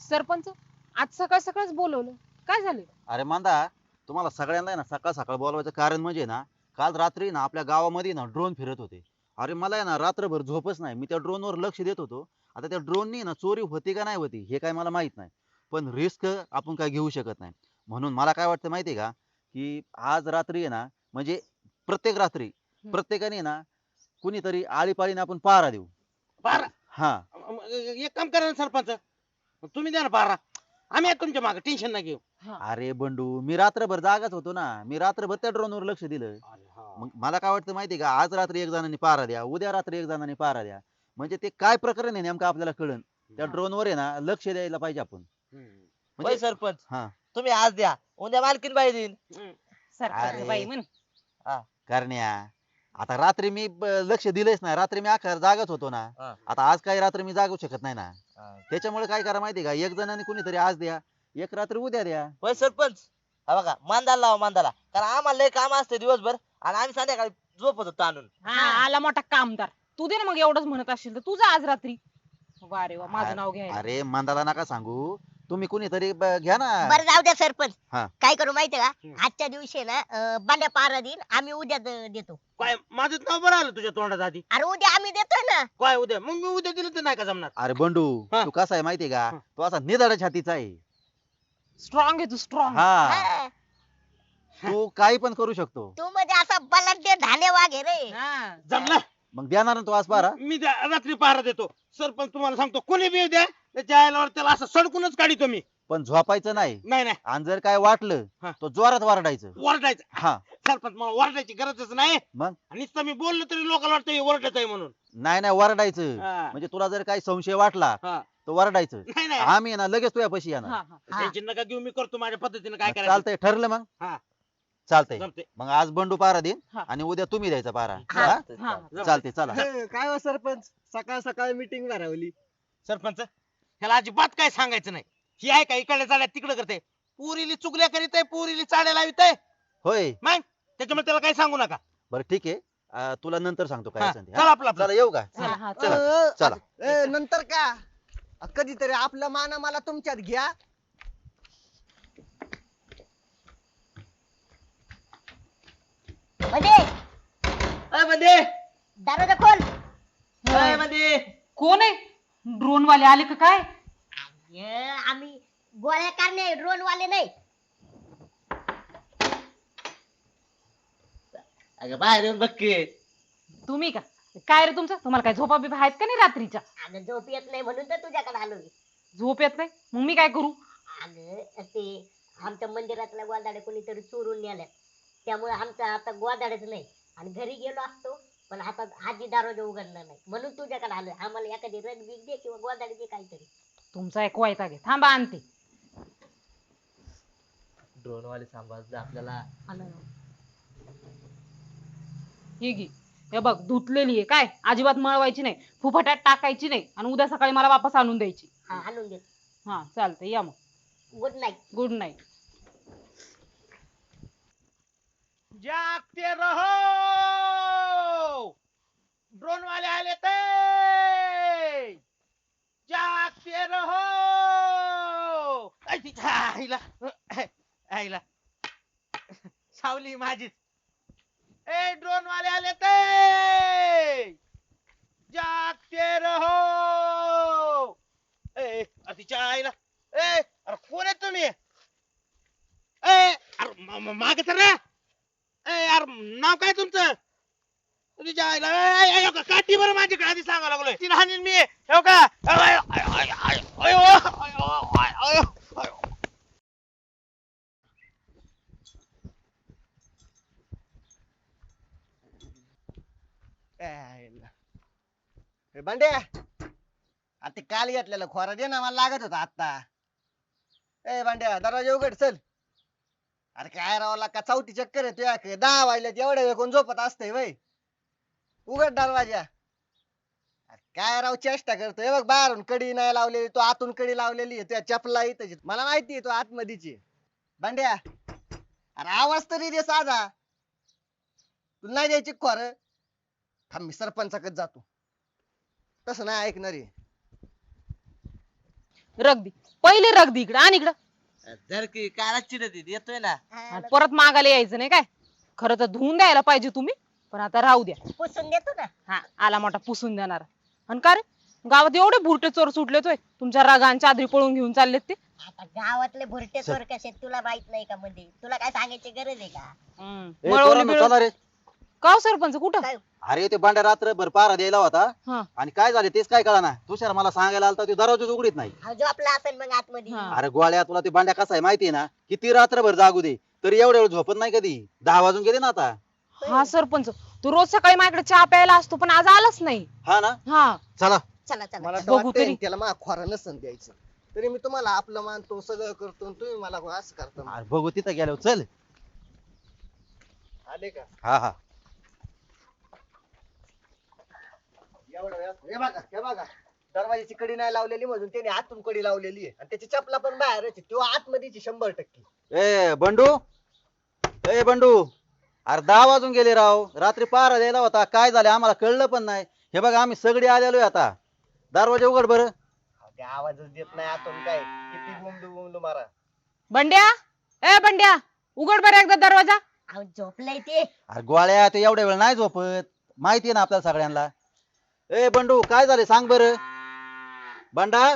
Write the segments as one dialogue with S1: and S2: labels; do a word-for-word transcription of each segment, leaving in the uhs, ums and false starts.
S1: सरपंच आज सकाळ सकाळच बोलवलं, काय झालं?
S2: अरे मांदा, तुम्हाला सगळ्यांना आहे ना सकाळ सकाळ बोलवायचं कारण म्हणजे ना, काल रात्री ना आपल्या गावामध्ये ना ड्रोन फिरत होते. अरे मला आहे ना रात्रभर झोपच नाही. मी त्या ड्रोनवर लक्ष देत होतो. आता त्या ड्रोननी ना चोरी होती का नाही होती हे काय मला माहित नाही. पण रिस्क आपण काय घेऊ शकत नाही. म्हणून मला काय वाटतं माहिती आहे का, की आज रात्री आहे ना म्हणजे प्रत्येक रात्री
S1: हम्म.
S2: प्रत्येकाने ना कुणीतरी आळीपाळीने आपण पहारा देऊ.
S3: बारा
S2: हा.
S3: मग एक काम करा ना सरपंच, तुम्ही द्या ना बारा. आम्ही आहे तुमच्या मागे, टेन्शन ना घेऊ.
S1: हा.
S2: अरे बंडू, मी रात्रभर जागाच होतो ना. मी रात्रभर त्या ड्रोनवर लक्ष दिलं. मग मला काय वाटतं माहितीये का, आज रात्री एक जणांनी पहारा द्या, उद्या रात्री एक जणांनी पहारा द्या. म्हणजे ते काय प्रकरण आहे नेमकं आपल्याला कळन. त्या
S1: हा.
S2: ड्रोनवर आहे ना लक्ष द्यायला पाहिजे आपण.
S3: हम्म.
S4: होय
S2: म्हणजे
S4: सरपंच,
S2: हा
S4: तुम्ही आज द्या, उद्या मालकीन बाई देईन.
S3: हम्म.
S1: सरपंच
S2: अरे.
S1: बाई म्हण.
S2: करण्या, आता रात्री मी ब- लक्ष दिलंच नाही. रात्री मी अख्खा जागच होतो ना.
S4: हा.
S2: आता आज काही रात्री मी जागू शकत नाही ना.
S4: हा.
S2: त्याच्यामुळे काय करा माहितीये का, एक जणांनी कुणीतरी आज द्या, एक रात्री उद्या द्या.
S4: होय सरपंच, हा बघा मांदाला लावा मांदाला, कारण आम्हाला लय काम असते दिवसभर आणि आम्ही संध्याकाळी झोपत होतो आणून.
S1: हा आला मोठा कामदार. तू दे ना मग, एवढंच म्हणत असशील तर तुझं आज रात्री. वा रे वा, माझं नाव घ्यायला.
S2: अरे मंदाला नका सांगू, तुम्ही कुणीतरी ब- घ्या ना.
S5: बरं जाऊ द्या सरपंच.
S2: हा.
S5: काय करू माहितीये का,
S3: हम्म.
S5: आजच्या दिवशी ना अं, बांड्या पारा देईन, आम्ही उद्या द- देतो.
S3: काय माझं नाव बरं आलं तुझ्या तोंडात आधी.
S5: अरे उद्या आम्ही देतोय ना.
S3: काय उद्या, मग मी उद्या दिलं तर नाही का जमणार.
S2: अरे बंडू,
S3: हा.
S2: तू कसा आहे माहितीये का,
S3: हा.
S2: तू असा निधाड्या छातीचा आहे.
S1: स्ट्रॉंग आहे तू, स्ट्रॉंग.
S2: हा,
S5: हा.
S2: तू काही पण करू शकतो.
S5: तू म्हणजे असा बलाढ्य ढाले वाघ आहे रे.
S3: जमलं.
S2: मग देणार ना तू आज बारा.
S3: मी त्या रात्री पहारा देतो. सरपंच तुम्हाला सांगतो, कोणी बी येऊ द्या, त्याच्या आईला त्याला असं सडकूनच काढितो मी.
S2: पण झोपायचं नाही.
S3: नाही नाही,
S2: आणि जर काय वाटलं
S3: हा.
S2: तो जोरात वरडायचं.
S3: ओरडायचं.
S2: हा.
S3: सरपंच मला ओरडायची गरजच नाही.
S2: मग
S3: आणि नुसतं मी बोललो तरी लोकांना वाटतं हे ओरडत आहे म्हणून.
S2: नाही नाही वरडायचं.
S3: हा.
S2: म्हणजे तुला जर काही संशय वाटला
S3: हा.
S2: तर वरडायचं.
S3: नाही नाही,
S2: आम्ही आहे ना लगेच तुझ्या पैसे
S1: हा
S2: येणार.
S1: हा.
S5: हा.
S3: टेन्शन नका घेऊ, मी करतो माझ्या पद्धतीने काय करायचं.
S2: चालतंय, ठरलं मग.
S3: हा.
S2: चालतंय.
S3: जमते.
S2: मग आज बंडू पारा देईन
S1: हा.
S2: आणि उद्या तुम्ही द्यायचा पारा.
S5: हा.
S2: हा?
S1: हा.
S2: चालते, चला.
S6: काय हो सरपंच, सकाळ सकाळ मीटिंग भरवली.
S3: सरपंच ह्याला अजिबात काय सांगायचं नाही. ही आहे का इकडे चाड्या तिकडे करते, पुरीली चुगल्या करीत आहे, पुरीली चाड्या लावित आहे.
S2: होय.
S3: मग त्याच्यामुळे त्याला काही सांगू नका.
S2: बरं ठीक आहे. अं, तुला नंतर सांगतो काय
S3: हा,
S2: असेल ते,
S3: चला
S2: हा?
S3: आपलं आपलं.
S2: चला येऊ का.
S1: चला हा
S2: चला.
S1: चला.
S2: चला.
S6: ए, नंतर का अ, कधीतरी आपलं मान मला तुमच्यात घ्या.
S5: म्हणजे
S4: अय म्हणजे
S5: दरवाजा खोल.
S4: अय म्हणजे
S1: कोण आहे? ड्रोन वाले आले का काय?
S5: ये, आम्ही गोळ्या करणे ड्रोन वाले नाही.
S4: अगं बाहेर येऊन बघ की.
S1: तुम्ही का? काय रे तुमचं? तुम्हाला काय झोपा बिपा आहेत का नाही रात्रीच्या?
S5: अगं झोप येत नाही म्हणून तर तुझ्याकडे आलो मी.
S1: झोप येत नाही मग मी काय करू?
S5: अगं ते आमच्या मंदिरातल्या गोदाड्या कोणीतरी चोरून नेल्यात, त्यामुळे आमचा आता गोदाड्याच नाही. आणि घरी गेलो असतो पण आता आजी दरवाजा उघडणार नाही, म्हणून तुझ्याकडे आलोय. आम्हाला एखादी रग दे किंवा गोदाडी दे काहीतरी.
S1: तुमचा एक वायता घे, थांबा आणते.
S4: ड्रोन वाले सांभाळतात आपल्याला.
S1: हे घे. हे बघ धुतलेली आहे काय, अजिबात मळवायची नाही, फुफाट्यात टाकायची नाही आणि उद्या सकाळी मला वापस आणून द्यायची.
S5: हा आणून दे.
S1: हा चालतंय, या मग.
S5: Good night.
S1: Good night.
S3: जागते रहो, ड्रोन वाले आले ते. जागते रहो. ऐ तिच्या आईला, आईला सावली माझीच. ए ड्रोन वाले आले ते. जागते रहो. ए तिच्या आईला, ए अरे कोण आहे तुम्ही? ए अरे मा- मा- मागे तर रे. ए यार नाव काय तुमचं? तुझ्या आईला ए, ए, ए, का- काठी बरं माझ्याकडे आधी सांगावं लागलोय. तिला हाणीन मी. हो का? अय, अय, अय, अय, अय, अयो, अयो, अय, अयो, अयो.
S6: ए, आईला. ए, बंड्या, आ ते काल घेतलेलं खोरा दे ना, मला लागत होता आता. ए बंड्या, दरवाजा उघड चल. अरे काय रावला का चौथी चक्कर आहे तुझ्या, दहा वाजल्यात एवढ्या वेळ कोण झोपत असतंय वय. उघड दरवाजा. अरे काय राव चेष्टा करतोय, बघ बाहेरून कडी नाही लावलेली, तो आतून कडी लावलेली आहे, तुझ्या चपला इथं मला माहिती आहे तो आतमधीची आहे. बंड्या, अरे आवाज तरी दे साधा. तुला नाही द्यायची खोर. थांब मी सरपंचाकडे जातो, तसं नाही ऐकणार आहे.
S1: रगदी पहिले रगदी इकडं आणि इकडं
S4: जर की काला चिडत येतोय ना.
S1: आणि परत मागायला यायचं नाही काय. खरं तर धुवून द्यायला पाहिजे तुम्ही, पण आता राहू द्या.
S5: पुसून देतो ना.
S1: हा आला मोठा पुसून देणार. आणि का रे गावात एवढे भुरटे चोर सुटलेत होय, तुमच्या रागान चादरी पळून घेऊन चाललेत ते.
S5: आता गावातले भुरटे चोर कसे आहेत तुला माहित नाही का? मध्ये तुला काय सांगायची गरज आहे का?
S1: हम्म.
S2: ए,
S1: मळवली
S2: पोरांनो,
S1: बिळवली.
S2: चला रे.
S1: का हो सरपंच कुठं?
S5: काय?
S2: अरे ते बांड्या रात्रभर पारा द्यायला होता
S1: हा.
S2: आणि काय झाले तेच काय कळा ना. तुषार मला सांगायला आलता, ते दरवाजाच उघडीत नाही.
S5: हा, झोपला असेल मग आतमध्ये.
S1: हा.
S2: अरे गोळ्या, तुला ते बांड्या कसा आहे माहितीये ना, किती रात्रभर जागू दे तरी एवढ्या वेळ झोपत नाही कधी. दहा वाजून गेले ना आता.
S1: हा सरपंच, तू रोज सकाळी माझ्याकडे चहा प्यायला असतो पण आज आलाच नाही.
S2: हा ना,
S1: हा
S2: चला.
S5: चला चला.
S6: मला तर
S1: बघू
S6: वाटतंय
S1: तरी.
S6: त्याला मा खोरा नसन द्यायचं, तरी मी तुम्हाला आपलं मानतो, सगळं करतो, आणि तुम्ही मला असं करता.
S2: अरे बघू तिथं गेलो, चल.
S6: आले का?
S2: हा हा.
S6: एवढं वेळात- हे बघा हे बघा दरवाजाची कडी नाही लावलेली म्हणून त्याने आतून कडी लावलेली आहे, आणि त्याची चपला पण बाहेरच आहे. तो आतमध्येची शंभर टक्के.
S2: ए बंडू, ए बंडू, अरे दहा वाजून गेले राव. रात्री पारा द्यायला होता, काय झालं आम्हाला कळलं पण नाही. हे बघा आम्ही सगळे आलेलोय आता. दरवाजा उघड बरं.
S6: अहो, ते आवाजच देत नाही आतून, काय किती गुमडू गुमडू मारा.
S1: बंड्या, ए बंड्या, उघड बरं एकदा दरवाजा.
S5: अहो, झोपलंय ते.
S2: अरे गोळ्या, ते एवढ्या वेळ नाही झोपत, माहितीये ना आपल्याला सगळ्यांना. ए बंडू, काय झाले सांग बरं. बंडा,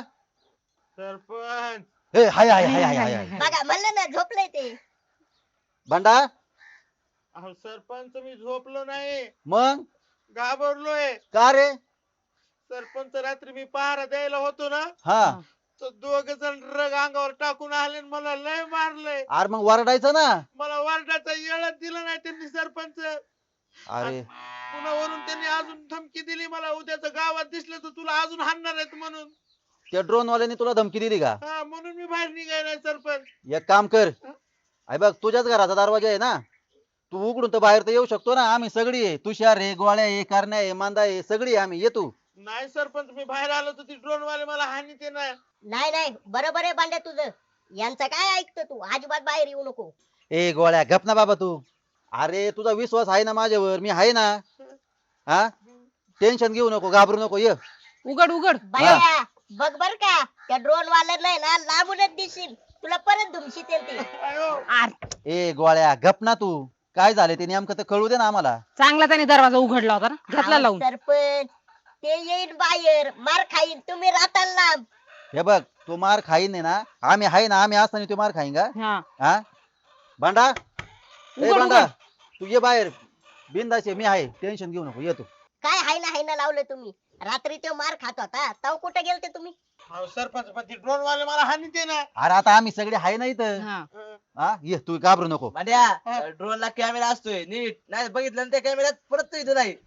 S3: सरपंच
S2: ए हाय हाय हाय हाय हाय हाय.
S5: बघा म्हणलं ना झोपलंय ते.
S2: बंडा,
S3: अहो सरपंच मी झोपलो नाही,
S2: मग
S3: घाबरलोय.
S2: का रे.
S3: सरपंच रात्री मी पहारा द्यायला होतो ना,
S2: हा,
S3: तर दोघ जण रग अंगावर टाकून आले आणि मला लय मारलंय.
S2: अरे मग वरडायचं ना.
S3: मला वारडाचा येळच दिला नाही त्यांनी सरपंच.
S2: अरे
S3: पुन्हा वरून त्यांनी अजून धमकी दिली मला, उद्याच गावात दिसलं तर तुला अजून हाणणार आहेत म्हणून.
S2: त्या ड्रोन वाल्याने तुला धमकी दिली का.
S3: हा, म्हणून मी बाहेर निघायला सरपंच.
S2: एक काम कर, अरे बघ तुझ्याच घराचा दरवाजा आहे ना, तू उघडून तर बाहेर तर येऊ शकतो ना. आम्ही सगळी आहे, तुषार आहे, गोळ्या आहे, करण्या आहे, मांदा आहे, सगळी आहे आम्ही. ये तू.
S3: नाही सरपंच, मी बाहेर आलो तर ती ड्रोन वाले मला हानी ते नाही.
S5: नाही नाही बरोबर आहे बांड्या तुझं. यांचं काय ऐकतो तू? अजिबात बाहेर येऊ नको.
S2: ए गोळ्या, गप ना बाबा तू. अरे तुझा विश्वास आहे ना माझ्यावर, मी आहे ना. हा, टेन्शन घेऊ नको, घाबरू नको. ये
S1: उघड उघड.
S5: बाया बघ बर का, त्या ड्रोन वाल्याला आहे ना लांबूनच दिसशील, तुला परत धुमशीत ते.
S3: अयो,
S1: आर,
S2: ए गोळ्या, गप ना तू. काय झाले ते नेमकं तर कळू दे ना आम्हाला.
S1: चांगला त्याने दरवाजा उघडला होता ना, घेतला
S5: अहो,
S1: लावून.
S5: सरपंच ते येईल बाहेर, मार खाईन, तुम्ही राहताल लांब.
S2: हे बघ, तू मार खाईन आहे ना, आम्ही आहे ना. आम्ही असताना तू मार खाईन का.
S1: हा
S2: हा, भांडा, ए
S1: उघड,
S2: भांडा,
S1: उघड.
S2: तू ये बाहेर. बिंदाचे मी आहे, टेन्शन घेऊ नको. ये तू.
S5: काय हाय ना हाय ना लावलं तुम्ही? रात्री तो मार खात होता, तव कुठे गेलते तुम्ही?
S3: अहो सरपंच, पण ती ड्रोन वाले मला हानी ते ना.
S2: अरे आता आम्ही सगळे आहे ना इथं.
S1: हा.
S2: हा, ये तू, घाबरू नको.
S4: भांड्या, ड्रोन ला कॅमेरा असतोय नीट, नाही बघितलं ना त्या कॅमेऱ्यात परत तू इथं नाही.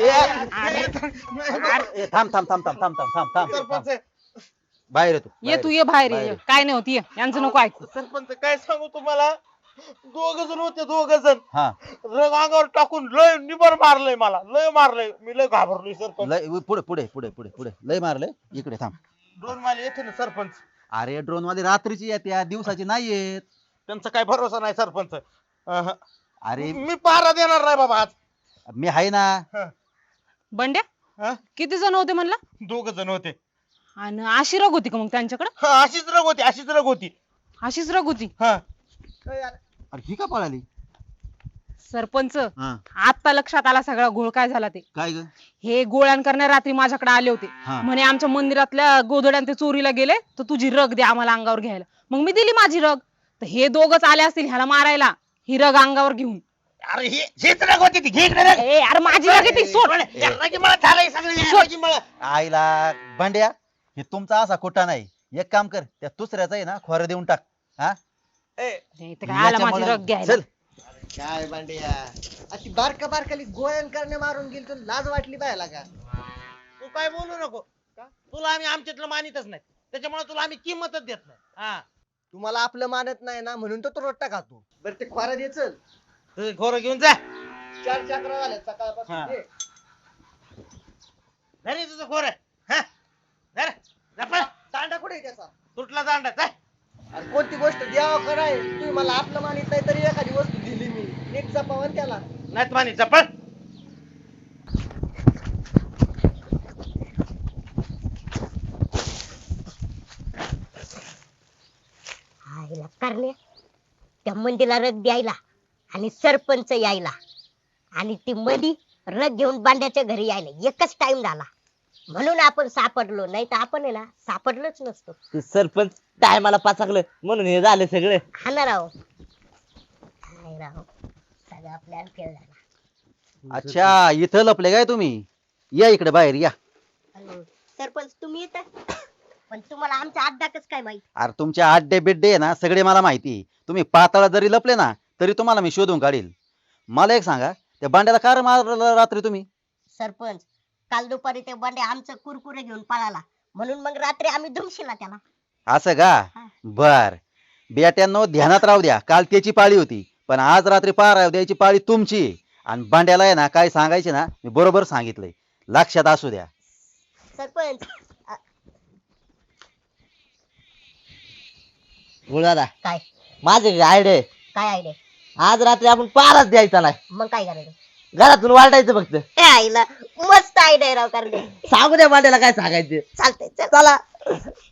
S2: ए, थांब थांब थांब थांब थांब थांब थांब थांब थांब.
S3: सरपंच
S2: बाहेर ये तू.
S1: ये तू ये बाहेर ये.
S2: बाहेर.
S1: काय नाही होती, यांचं नको ऐकू.
S3: सरपंच काय सांगू तुम्हाला, दोघ जण होते, दोघ जण
S2: हा,
S3: रग अंगावर टाकून लय निबर मारलंय मला, लय मारलंय. मी लय घाबरलोय सरपंच.
S2: लय पुढे पुढे पुढे पुढे पुढे लय मारले. इकडे थांब.
S3: ड्रोन वाले येते ना सरपंच,
S2: अरे ड्रोन वाले रात्रीची येत्या, दिवसाची नाही येत.
S3: त्यांचा काय भरोसा नाही सरपंच. अहं.
S2: अरे
S3: मी पहारा देणार नाही बाबा आज.
S2: मी आहे ना.
S1: बंड्या,
S3: हा?
S1: किती जण होते म्हणला?
S3: दोघ जण होते.
S1: आणि अशी रग होती का मग त्यांच्याकडे?
S3: हा, अशीच रग होती, अशीच रग होती.
S1: अशीच रग होती.
S3: हा,
S6: ए, यार,
S2: अरे ही का पळाली.
S1: सरपंच,
S2: हा,
S1: आता लक्षात आला सगळा घोळ काय झाला ते.
S2: काय ग.
S1: हे गोळ्यान करण्या रात्री माझ्याकडे आले होते.
S2: हा.
S1: म्हणे आमच्या मंदिरातल्या गोधड्यान ते चोरीला गेले, तर तुझी रग दे आम्हाला अंगावर घ्यायला. मग मी दिली माझी रग. तर हे दोघच आले असतील ह्याला मारायला, ही रग अंगावर घेऊन.
S3: अरे ही हीच रग होती ती. घे इकडे रग.
S1: ए अरे माझी रग आहे ती, सोड.
S3: या रगीमुळं झालंय सगळं, या रगीमुळं.
S2: आईला भांड्या, हे तुमचा असा खोटा नाही. एक काम कर, त्या दुसऱ्याचा आहे ना खोर देऊन टाक. हा,
S3: ए,
S1: हे इथं काय आला माझी
S2: याच्यामुळं-
S1: रग घ्यायला.
S2: चल.
S6: काय बांड्या, अशी बारका बारकाली गोळ्यान करणे मारून गेली, तुला लाज वाटली पाहिला का?
S3: तू काय बोलू नको का? तुला आम्ही आमच्यातलं मानितच नाही, त्याच्यामुळे तुला आम्ही किंमतच देत नाही. हा,
S6: तुम्हाला आपलं मानत नाही ना, म्हणून तर तो रोट्टा खातो. बरं ते खोरा दे, चल.
S3: तुझं घोरं घेऊन जा.
S6: चार चक्रा झाल्या सकाळपासून.
S3: हा.
S6: दे.
S3: घरी तुझं घोरं. हा, धर. जा पळ.
S6: दांडा कुठे आहे त्याचा?
S3: तुटला दांडा. जा.
S6: अरे कोणती गोष्ट द्यावं कराय, तुम्ही मला आपलं मानित नाही तरी एखादी वस्तू दिली मी, नीट जपावन त्याला.
S3: नाहीत मानी, जा पळ.
S5: आईला करणे त्या मंदीला रग द्यायला आणि सरपंच यायला आणि ती मधी रग घेऊन बांड्याच्या घरी यायला एकच टाइम झाला म्हणून आपण सापडलो, नाही तर आपण आहे ना सापडलोच नसतो.
S4: ते सरपंच टायमाला पाचाकलं म्हणून हे झालं सगळं.
S5: हा ना राव. काय राव सगळा प्लॅन फेल झाला.
S2: अच्छा इथं लपले काय तुम्ही? या इकडे बाहेर या.
S5: आणि सरपंच तुम्ही येता पण तुम्हाला आमचा अड्डा कसं काय माहित?
S2: अरे तुमचे अड्डे बिड्डे आहे ना सगळे मला माहिती आहे. तुम्ही पाताळात जरी लपले ना तरी तुम्हाला मी शोधून काढील. मला एक सांगा, त्या बांड्याला का रे मारलं रात्री तुम्ही?
S5: सरपंच काल दुपारी ते बंडे आमचं कुरकुरे घेऊन पळाला म्हणून मग रात्री आम्ही धुमशिला त्याला.
S2: असं का? बर बेट्यांनो ध्यानात राहू द्या, काल त्याची पाळी होती पण आज रात्री पार द्यायची पाळी तुमची आहे. आणि बांड्याला आहे ना काय सांगायचे ना मी बरोबर सांगितलंय, लक्षात असू द्या.
S5: सरपंच
S4: दादा
S5: काय
S4: माझे आयडिया
S5: काय आयडिया?
S4: आज रात्री आपण पारच द्यायचा नाही,
S5: मग काय करायचं?
S4: घरातून वाटायचं फक्त.
S5: ए आईला मस्त आयडिया राव करणे.
S4: सांगू द्या मांड्याला काय सांगायचं.
S5: चालतंय चल.
S4: चला